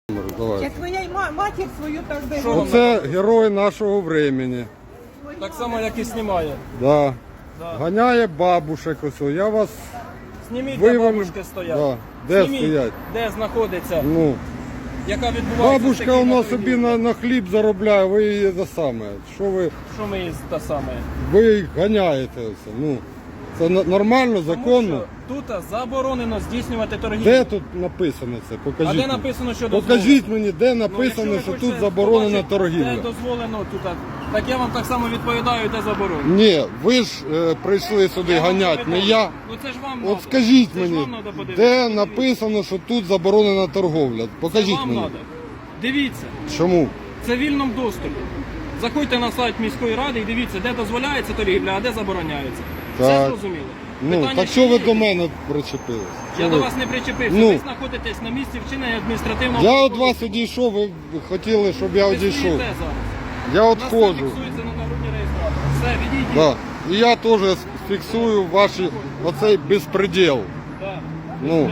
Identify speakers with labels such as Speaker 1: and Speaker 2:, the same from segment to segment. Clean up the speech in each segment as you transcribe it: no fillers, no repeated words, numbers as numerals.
Speaker 1: Давай.
Speaker 2: Як твоя матір свою так би.
Speaker 1: Оце герой нашого времени.
Speaker 3: Так само, як і знімає.
Speaker 1: Да.
Speaker 3: Да.
Speaker 1: Ганяє бабушек ось. Я вас
Speaker 3: Зніміть, де
Speaker 1: вивели.
Speaker 3: бабушки стоять.
Speaker 1: Да. Де
Speaker 3: Зніміть,
Speaker 1: стоять?
Speaker 3: де знаходиться,
Speaker 1: Ну.
Speaker 3: яка відбувається.
Speaker 1: Бабушка
Speaker 3: стихійна
Speaker 1: у нас собі
Speaker 3: торгівля.
Speaker 1: на хліб заробляє, ви її за саме. Що ви?
Speaker 3: Що ми її та саме?
Speaker 1: Ви їх ганяєте. Оце. Ну. Це нормально, законно.
Speaker 3: Тому що тут заборонено здійснювати торгівлю.
Speaker 1: Де тут написано це? Покажіть.
Speaker 3: А де
Speaker 1: мені.
Speaker 3: написано, що дозволено?
Speaker 1: Покажіть мені, де
Speaker 3: Ну,
Speaker 1: написано,
Speaker 3: якщо
Speaker 1: що
Speaker 3: ви
Speaker 1: тут
Speaker 3: хочете
Speaker 1: заборонена
Speaker 3: побачити,
Speaker 1: торгівля.
Speaker 3: Де дозволено тут. Так я вам так само відповідаю, де заборонено.
Speaker 1: Ні, ви ж прийшли сюди
Speaker 3: Я вам
Speaker 1: ганяти, не
Speaker 3: відповідаю.
Speaker 1: я.
Speaker 3: Ну це ж вам
Speaker 1: От
Speaker 3: надо.
Speaker 1: скажіть
Speaker 3: Це ж
Speaker 1: мені,
Speaker 3: вам надо подивитися.
Speaker 1: де написано, що тут заборонена торговля?
Speaker 3: Це
Speaker 1: Покажіть
Speaker 3: вам
Speaker 1: мені.
Speaker 3: надо. Дивіться,
Speaker 1: Чому?
Speaker 3: це в вільному доступі. Заходьте на сайт міської ради і дивіться, де дозволяється торгівля, а де забороняється. Все
Speaker 1: Так.
Speaker 3: зрозуміло.
Speaker 1: Ну,
Speaker 3: Питання
Speaker 1: так що ви
Speaker 3: є?
Speaker 1: до мене причепились?
Speaker 3: Я
Speaker 1: Що
Speaker 3: до
Speaker 1: ви?
Speaker 3: вас не причепився.
Speaker 1: Ну.
Speaker 3: Ви знаходитесь на місці вчинення адміністративного
Speaker 1: Я від
Speaker 3: правопорушення.
Speaker 1: вас одійшов, ви хотіли, щоб я
Speaker 3: Ви
Speaker 1: одійшов.
Speaker 3: стоїте зараз.
Speaker 1: Я
Speaker 3: У нас це
Speaker 1: відходжу.
Speaker 3: фіксується на нагрудній реєстраторі. Все, відійдіть.
Speaker 1: Да. І я теж фіксую ваші оцей безпреділ.
Speaker 3: Да.
Speaker 1: Ну.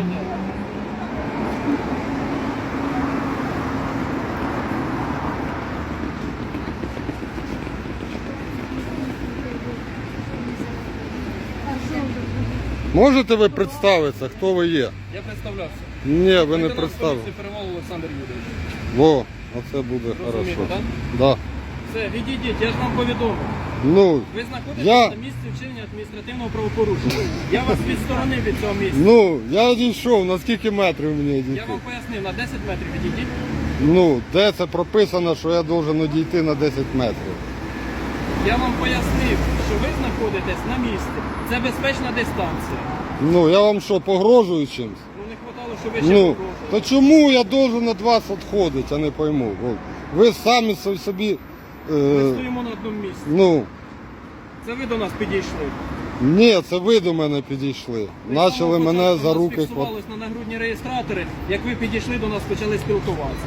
Speaker 1: Можете ви представитися, хто ви є?
Speaker 3: Я представлявся.
Speaker 1: Ні, ви не
Speaker 3: Лейтенант
Speaker 1: представили.
Speaker 3: поліції Перевал Олександр Юрійович.
Speaker 1: Во, оце буде
Speaker 3: Розумієте,
Speaker 1: хорошо.
Speaker 3: так?
Speaker 1: Да.
Speaker 3: Все, відійдіть, я ж вам повідомив.
Speaker 1: Ну,
Speaker 3: Ви знаходитесь
Speaker 1: Я-
Speaker 3: на місці вчинення адміністративного правопорушення. Я вас відсторонив від цього місця.
Speaker 1: ну, я одійшов, на скільки метрів мені
Speaker 3: Я
Speaker 1: одійти?
Speaker 3: вам пояснив, на 10 метрів відійдіть.
Speaker 1: Ну, де це прописано, що я должен одійти на 10 метрів?
Speaker 3: Я вам пояснив, що ви знаходитесь на місці. Це безпечна дистанція.
Speaker 1: Ну, я вам що, погрожую чимось?
Speaker 3: Ну не хватало, що ви ще
Speaker 1: Ну,
Speaker 3: погрожували.
Speaker 1: то чому я должен від вас відходити, я не пойму. От. Ви самі собі,
Speaker 3: Ми стоїмо на одному місці.
Speaker 1: ну,
Speaker 3: Це ви до нас підійшли.
Speaker 1: ні, це ви до мене підійшли.
Speaker 3: Ви
Speaker 1: Почали
Speaker 3: самого
Speaker 1: мене
Speaker 3: початку
Speaker 1: за
Speaker 3: у нас
Speaker 1: руки.
Speaker 3: фіксувались на нагрудні реєстратори, як ви підійшли до нас, почали спілкуватися.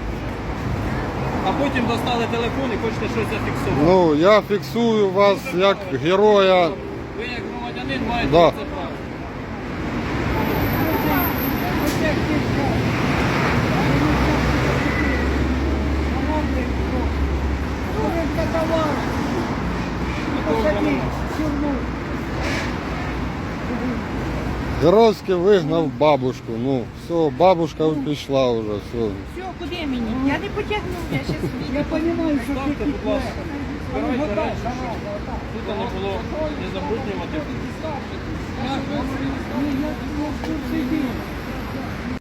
Speaker 3: А потім достали телефон і хочете щось зафіксувати.
Speaker 1: Ну, я фіксую вас як героя.
Speaker 3: Ви як громадянин маєте
Speaker 1: Да.
Speaker 3: це право.
Speaker 1: Геройськи вигнав бабушку. Ну, все, бабушка пішла вже, все.
Speaker 2: Все, куди мені? Я не потягну, я ще собі. Я розумію, що
Speaker 3: Ставте, будь ласка. Збирайте речі, щоб тут не було не забруднювати.